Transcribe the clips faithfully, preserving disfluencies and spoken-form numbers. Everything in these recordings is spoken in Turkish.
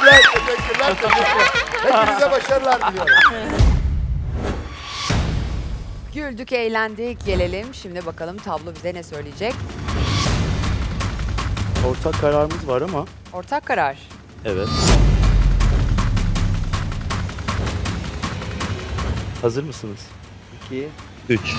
Teşekkürler, teşekkürler, teşekkürler. Hepinize başarılar diliyorum. Güldük, eğlendik. Gelelim. Şimdi bakalım tablo bize ne söyleyecek? Ortak kararımız var ama Ortak karar. evet. Hazır mısınız? İki. Üç.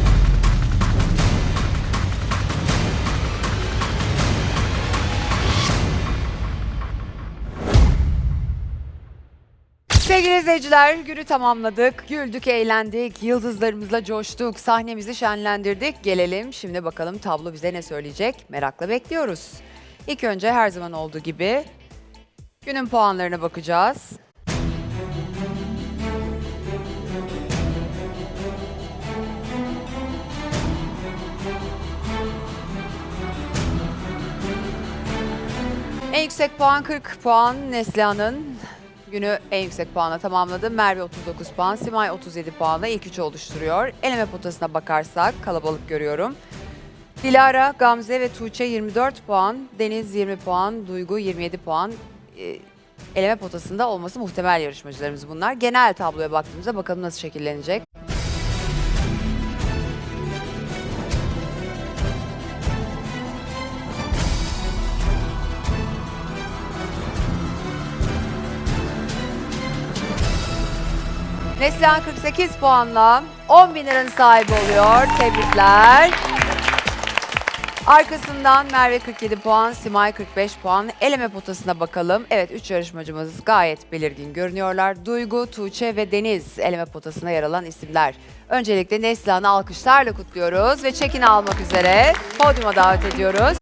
Sevgili izleyiciler, günü tamamladık. Güldük, eğlendik. Yıldızlarımızla coştuk. Sahnemizi şenlendirdik. Gelelim. Şimdi bakalım tablo bize ne söyleyecek? Merakla bekliyoruz. İlk önce her zaman olduğu gibi günün puanlarına bakacağız. En yüksek puan kırk puan Neslihan'ın günü en yüksek puanla tamamladı. Merve otuz dokuz puan, Simay otuz yedi puanla ilk üçü oluşturuyor. Eleme potasına bakarsak kalabalık görüyorum. Dilara, Gamze ve Tuğçe yirmi dört puan, Deniz yirmi puan, Duygu yirmi yedi puan. Ee, eleme potasında olması muhtemel yarışmacılarımız bunlar. Genel tabloya baktığımızda bakalım nasıl şekillenecek. Neslihan kırk sekiz puanla on bin liranın sahibi oluyor. Tebrikler. Arkasından Merve kırk yedi puan, Simay kırk beş puan. Eleme potasına bakalım. Evet, üç yarışmacımız gayet belirgin görünüyorlar. Duygu, Tuğçe ve Deniz eleme potasına yer alan isimler. Öncelikle Neslihan'ı alkışlarla kutluyoruz ve çekini almak üzere podyuma davet ediyoruz.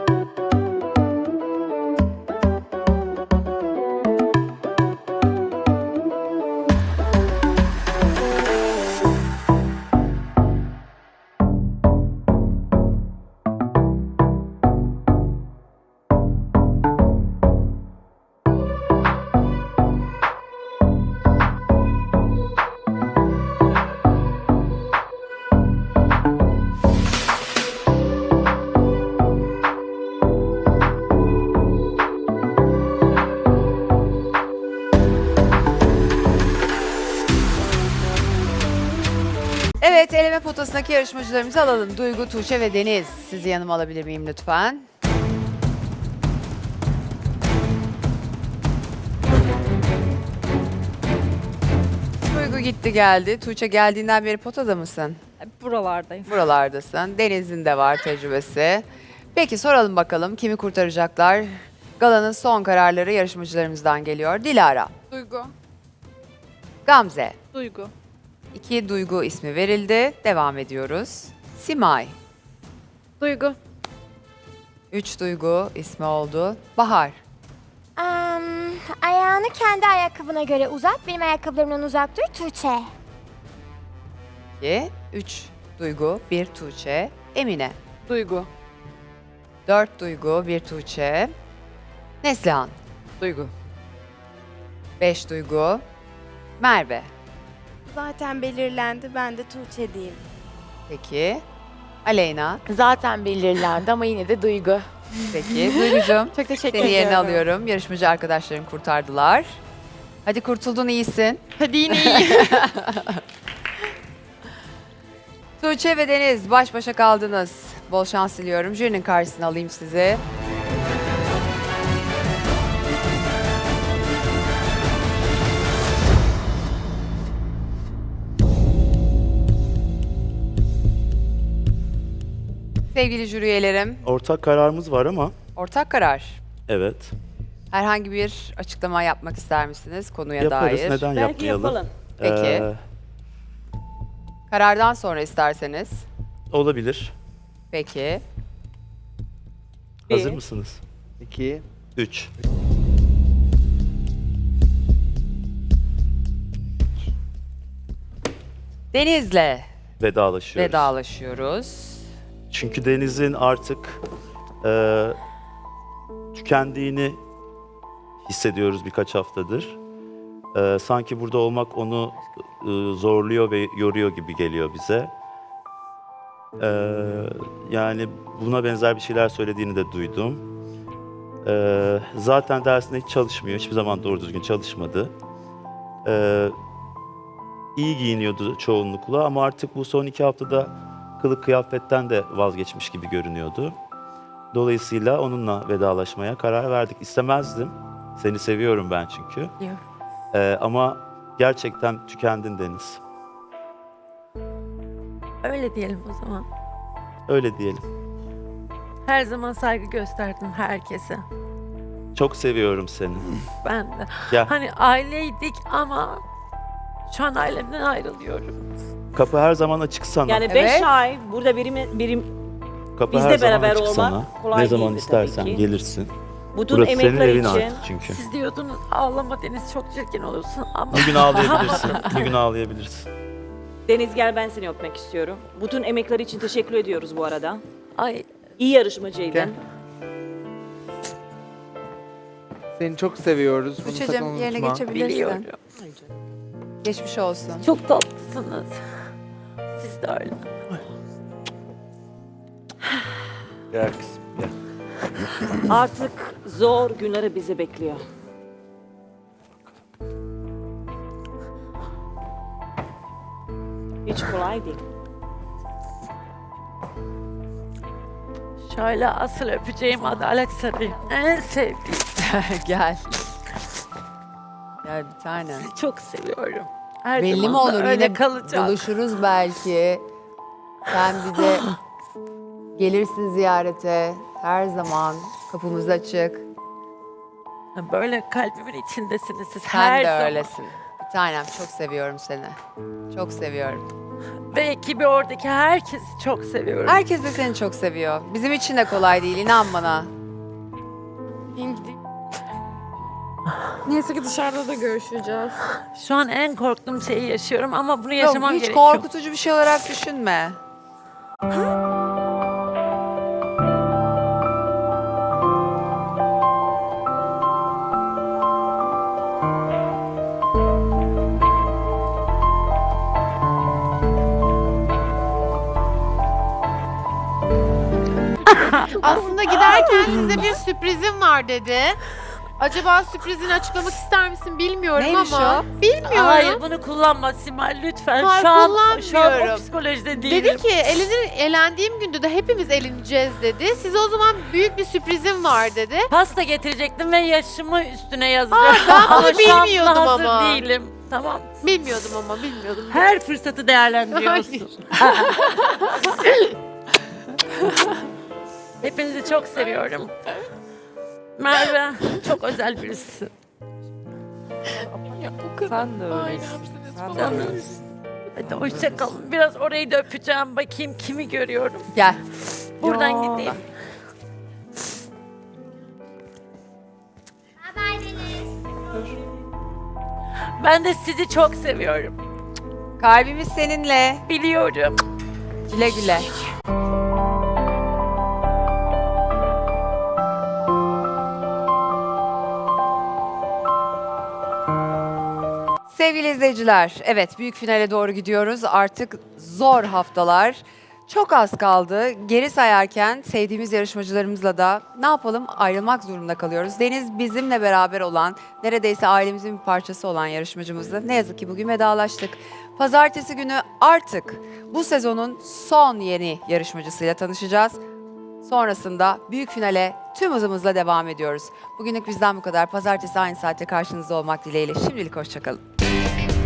Evet, eleme potasındaki yarışmacılarımızı alalım. Duygu, Tuğçe ve Deniz. Sizi yanıma alabilir miyim lütfen? Duygu gitti geldi. Tuğçe geldiğinden beri potada mısın? Buralardayım. Buralardasın. Deniz'in de var tecrübesi. Peki soralım bakalım kimi kurtaracaklar? Galanın son kararları yarışmacılarımızdan geliyor. Dilara, Duygu. Gamze. Duygu. İki Duygu ismi verildi. Devam ediyoruz. Simay. Duygu. Üç Duygu ismi oldu. Bahar. Am, ayağını kendi ayakkabına göre uzat. Benim ayakkabılarımdan uzak dur Tuğçe. İki. Üç Duygu, bir Tuğçe. Emine. Duygu. Dört Duygu, bir Tuğçe. Neslihan. Duygu. Beş Duygu. Merve. Zaten belirlendi. Ben de Tuğçe diyeyim. Peki. Aleyna. Zaten belirlendi ama yine de Duygu. Peki. Duygucuğum. Çok teşekkür Seni yerine ediyorum. alıyorum. Yarışmacı arkadaşlarım kurtardılar. Hadi kurtuldun, iyisin. Hadi yine iyi. Tuğçe ve Deniz baş başa kaldınız. Bol şans diliyorum. Jürinin karşısına alayım sizi. Sevgili jüri üyelerim, Ortak kararımız var ama ortak karar. evet. Herhangi bir açıklama yapmak ister misiniz konuya Yaparız. dair? Neden Belki yapmayalım? yapalım. Peki. Ee, Karardan sonra isterseniz. olabilir. Peki. Hazır Bir. mısınız? İki. Üç. Deniz'le Vedalaşıyoruz. vedalaşıyoruz. Çünkü Deniz'in artık e, tükendiğini hissediyoruz birkaç haftadır. E, sanki burada olmak onu e, zorluyor ve yoruyor gibi geliyor bize. E, yani buna benzer bir şeyler söylediğini de duydum. Ee, zaten dersinde hiç çalışmıyor. Hiçbir zaman doğru düzgün çalışmadı. Ee, iyi giyiniyordu çoğunlukla ama artık bu son iki haftada kılık kıyafetten de vazgeçmiş gibi görünüyordu. Dolayısıyla onunla vedalaşmaya karar verdik. İstemezdim. Seni seviyorum ben çünkü. Biliyorum. Ee, ama gerçekten tükendin Deniz. Öyle diyelim o zaman. Öyle diyelim. Her zaman saygı gösterdim herkese. Çok seviyorum seni. Ben de. Gel. Hani aileydik ama şu an ailemden ayrılıyorum. Kapı her zaman açık sana. Yani beş Evet. ay burada birim, birim Kapı bizle her zaman beraber açık olmak sana. kolay Ne zaman değildi istersen tabii ki. gelirsin. bütün Burası senin emekler evin için artık çünkü. Siz diyordunuz ağlama Deniz çok çirkin olursun ama Bir gün ağlayabilirsin. Bir gün ağlayabilirsin. Deniz gel ben seni öpmek istiyorum. Bütün emekler için teşekkür ediyoruz bu arada. ay İyi yarışmacıydın. Gel. Seni çok seviyoruz. Bunu sakın Tuğçe'cim yerine unutma. geçebilirsin. biliyorum. Geçmiş olsun. Çok tatlısınız. Siz de öyle. Gel kızım gel. Artık zor günleri bizi bekliyor. Hiç kolay değil. Şöyle asıl öpeceğim Adalet Sarayı. En sevdiğim. Gel. Gel bir tane. Sizi çok seviyorum. Her Belli zaman mi da olur öyle yine kalacak. buluşuruz belki. Sen bize gelirsin ziyarete. Her zaman kapımız açık. Böyle kalbimin içindesiniz siz Sen her de zaman. öylesin. Bir tanem çok seviyorum seni. Çok seviyorum. Ve ekibi oradaki herkesi çok seviyorum. Herkes de seni çok seviyor. Bizim için de kolay değil inan bana. Neyse ki dışarıda da görüşeceğiz. Şu an en korktuğum şeyi yaşıyorum ama bunu Yok, yaşamam hiç gerekiyor. korkutucu bir şey olarak düşünme. Aslında giderken size bir sürprizim var dedi. Acaba sürprizini açıklamak ister misin bilmiyorum Neymiş ama. o? Bilmiyorum. Hayır bunu kullanma Simay lütfen. Hayır, şu an şu an o kullanmıyorum. psikolojide değilim. Dedi ki elenir, elendiğim günde de hepimiz eleneceğiz dedi. Size o zaman büyük bir sürprizim var dedi. Pasta getirecektim ve yaşımı üstüne yazacağım. ben bunu ama şu an buna bilmiyordum hazır ama. değilim. Tamam. Bilmiyordum ama bilmiyordum. Her fırsatı değerlendiriyorsun. Hepinizi çok seviyorum. Merve çok özel birisi. Sen de öylesin. Sen de Canım. öylesin. Hadi hoşça kalın. Biraz orayı da öpeceğim. Bakayım kimi görüyorum. Gel. Buradan Ya. gideyim. Ben de sizi çok seviyorum. Kalbimiz seninle. Biliyorum. Güle güle. Sevgili izleyiciler, evet büyük finale doğru gidiyoruz. Artık zor haftalar. Çok az kaldı. Geri sayarken sevdiğimiz yarışmacılarımızla da ne yapalım ayrılmak zorunda kalıyoruz. Deniz bizimle beraber olan, neredeyse ailemizin bir parçası olan yarışmacımızla ne yazık ki bugün vedalaştık. Pazartesi günü artık bu sezonun son yeni yarışmacısıyla tanışacağız. Sonrasında büyük finale tüm hızımızla devam ediyoruz. Bugünlük bizden bu kadar. Pazartesi aynı saatte karşınızda olmak dileğiyle. Şimdilik hoşçakalın.